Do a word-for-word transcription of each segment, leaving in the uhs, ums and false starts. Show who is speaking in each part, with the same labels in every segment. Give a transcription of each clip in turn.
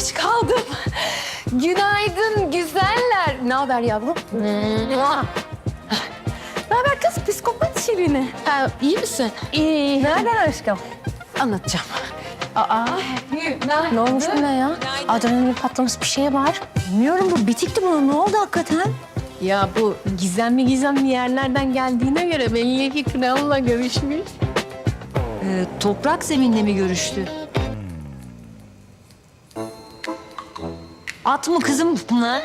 Speaker 1: geç kaldım. Günaydın güzeller. Ne haber yavrum? Ne haber kız? Psikopat Şirin'i. Ha, iyi misin? İyi. Nereden aşkım? Anlatacağım. Aa, ne olmuş buna ya? Adrenalin patlamış bir şey var.
Speaker 2: Bilmiyorum, bu bitikti buna. Ne oldu hakikaten?
Speaker 1: Ya bu gizemli gizemli yerlerden geldiğine göre belli ki kralla görüşmüş.
Speaker 2: Ee, toprak zeminle mi görüştü? At mı kızım bunlar?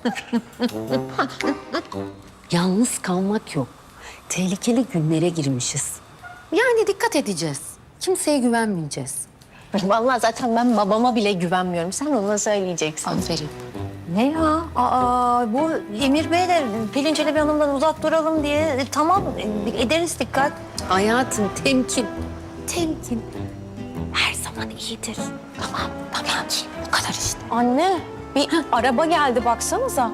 Speaker 3: Yalnız kalmak yok. Tehlikeli günlere girmişiz. Yani dikkat edeceğiz. Kimseye güvenmeyeceğiz.
Speaker 1: Vallahi zaten ben babama bile güvenmiyorum. Sen ona söyleyeceksin.
Speaker 3: Aferin.
Speaker 2: Ne ya? Aa, bu Emir Bey de Pelin Çelebi Hanım'dan uzak duralım diye e, tamam e, ederiz dikkat.
Speaker 3: Hayatım temkin. Temkin. Her zaman iyidir. Tamam, tamam. Bu kadar işte.
Speaker 1: Anne, bir araba geldi baksanıza.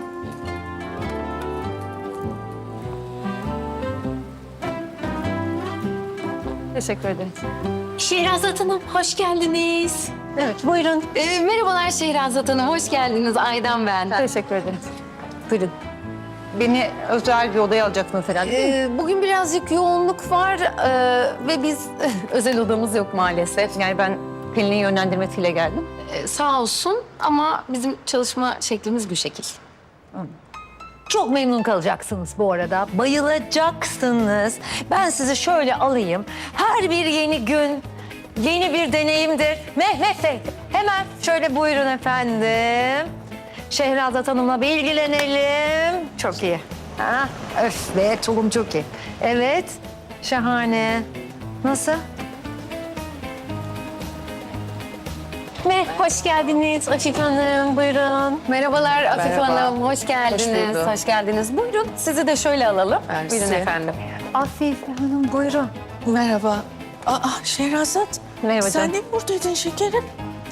Speaker 1: Teşekkür ederim.
Speaker 3: Şehrazat Hanım, hoş geldiniz.
Speaker 1: Evet, buyurun.
Speaker 3: Ee, merhabalar Şehrazat Hanım, hoş geldiniz. Aydan ben.
Speaker 1: Teşekkür ederim.
Speaker 2: Buyurun. Beni özel bir odaya alacaksınız herhalde.
Speaker 3: Ee, bugün birazcık yoğunluk var ee, ve biz özel odamız yok maalesef.
Speaker 2: Yani ben Pelin'in yönlendirmesiyle geldim.
Speaker 3: Ee, sağ olsun ama bizim çalışma şeklimiz bu şekil.
Speaker 2: Çok memnun kalacaksınız bu arada. Bayılacaksınız. Ben sizi şöyle alayım. Her bir yeni gün yeni bir deneyimdir. Mehmet Bey, hemen şöyle buyurun efendim. Şehrazat Hanım'la bir ilgilenelim. Çok iyi. Ha, öf be, tulum çok iyi. Evet, şahane. Nasıl?
Speaker 1: Me, hoş geldiniz Afife Hanım, buyurun.
Speaker 3: Merhabalar Afife
Speaker 1: Merhaba.
Speaker 3: Hanım, hoş geldiniz.
Speaker 1: bulduk.
Speaker 3: Hoş, geldiniz. Buyurun, sizi de şöyle alalım. Buyurun efendim.
Speaker 2: Afife Hanım buyurun.
Speaker 4: Merhaba. Aa Şehrazat.
Speaker 2: Merhaba
Speaker 4: Sen
Speaker 2: canım.
Speaker 4: de mi buradaydın şekerim?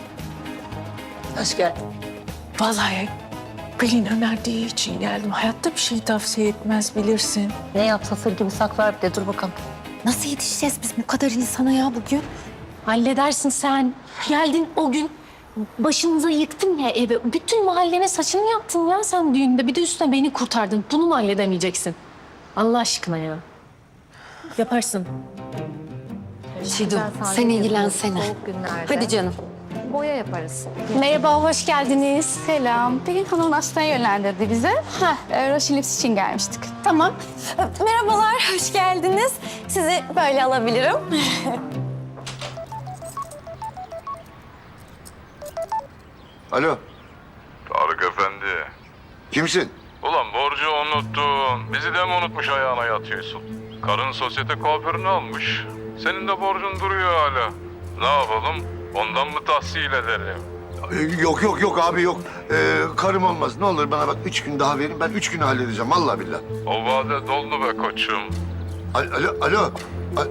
Speaker 2: Hoş geldin.
Speaker 4: Vallahi Pelin önerdiği için geldim. Hayatta bir şey tavsiye etmez bilirsin.
Speaker 2: Ne yapsa sır gibi saklar bir de, dur bakalım.
Speaker 3: Nasıl yetişeceğiz biz bu kadar insana ya bugün? Halledersin sen. Geldin o gün başınıza yıktın ya evi. Bütün mahallene saçını yaptın ya sen düğünde. Bir de üstüne beni kurtardın. Bunu mu halledemeyeceksin? Allah aşkına ya. Yaparsın. Şidu, sen ilgilensene. Hadi canım.
Speaker 2: Boya yaparız.
Speaker 1: Merhaba, hoş geldiniz. Selam. Pelin Hanım hastaneye yönlendirdi bize. Heh, Roşin Lips için gelmiştik. Tamam. Merhabalar, hoş geldiniz. Sizi böyle alabilirim.
Speaker 5: Alo,
Speaker 6: Tarık Efendi.
Speaker 5: kimsin?
Speaker 6: Ulan borcu unuttun. Bizi de mi unutmuş ayağına yatıyorsun? Karın sosyete kuaförünü almış. Senin de borcun duruyor hala. Ne yapalım? Ondan mı tahsil edelim?
Speaker 5: Ee, yok yok yok abi yok. Ee, karım olmaz. Ne olur bana bak üç gün daha verin. Ben üç günü halledeceğim vallahi billahi.
Speaker 6: O vade doldu be koçum.
Speaker 5: Alo, alo, alo. Al-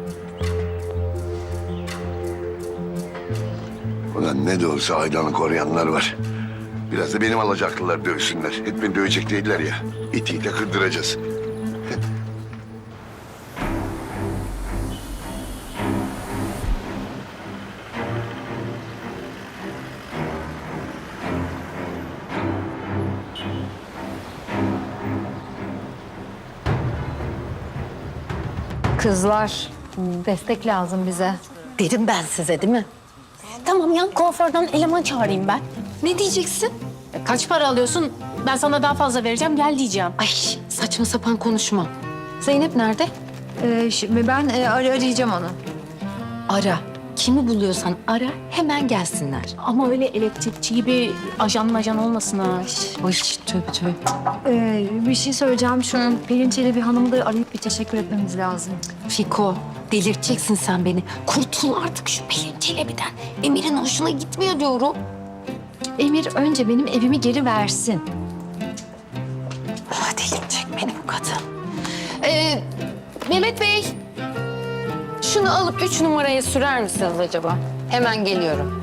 Speaker 5: Ulan ne de olsa Aydan'ı koruyanlar var. Biraz da benim alacaklılar dövsünler. Hep beni dövecek değiller ya. İtiyle kırdıracağız.
Speaker 2: Kızlar, destek lazım bize.
Speaker 3: Dedim ben size değil mi?
Speaker 1: Tamam, yan kuaförden eleman çağırayım ben.
Speaker 3: Ne diyeceksin?
Speaker 1: E, Kaç para alıyorsun? Ben sana daha fazla vereceğim, gel diyeceğim.
Speaker 3: Ay saçma sapan konuşma. Zeynep nerede?
Speaker 2: Ee, şimdi ben e, ar- arayacağım onu.
Speaker 3: Ara. Kimi buluyorsan ara hemen gelsinler.
Speaker 1: Ama öyle elektrikçi gibi ajan majan olmasın ha.
Speaker 3: Ay tövbe tövbe.
Speaker 2: Ee, bir şey söyleyeceğim. Şu Pelin Çelebi Hanım'ı da arayıp bir teşekkür etmemiz lazım.
Speaker 3: Fiko, delirteceksin sen beni. Kurtul artık şu Pelin Çelebi'den. Emir'in hoşuna gitmiyor diyorum.
Speaker 2: Emir önce benim evimi geri versin.
Speaker 3: Ah, delirtecek beni bu kadın. Ee, Mehmet Bey, şunu alıp üç numaraya sürer misiniz acaba? Hemen geliyorum.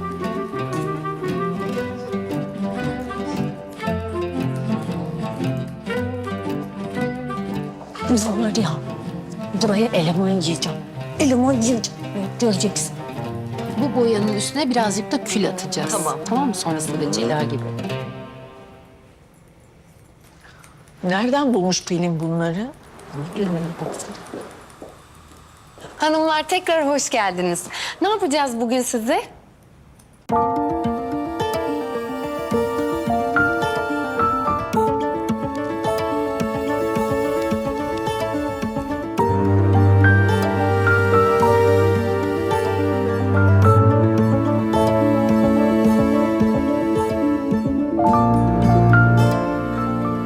Speaker 1: Biz var ya, buraya eleman yiyeceğim. Eleman yiyeceğim. Göreceksin.
Speaker 3: Bu boyanın üstüne birazcık da kül atacağız.
Speaker 2: Tamam.
Speaker 3: Tamam mı? Sonrasında da cila gibi.
Speaker 4: Nereden bulmuş Pelin bunları?
Speaker 3: Hanımlar tekrar hoş geldiniz. Ne yapacağız bugün size?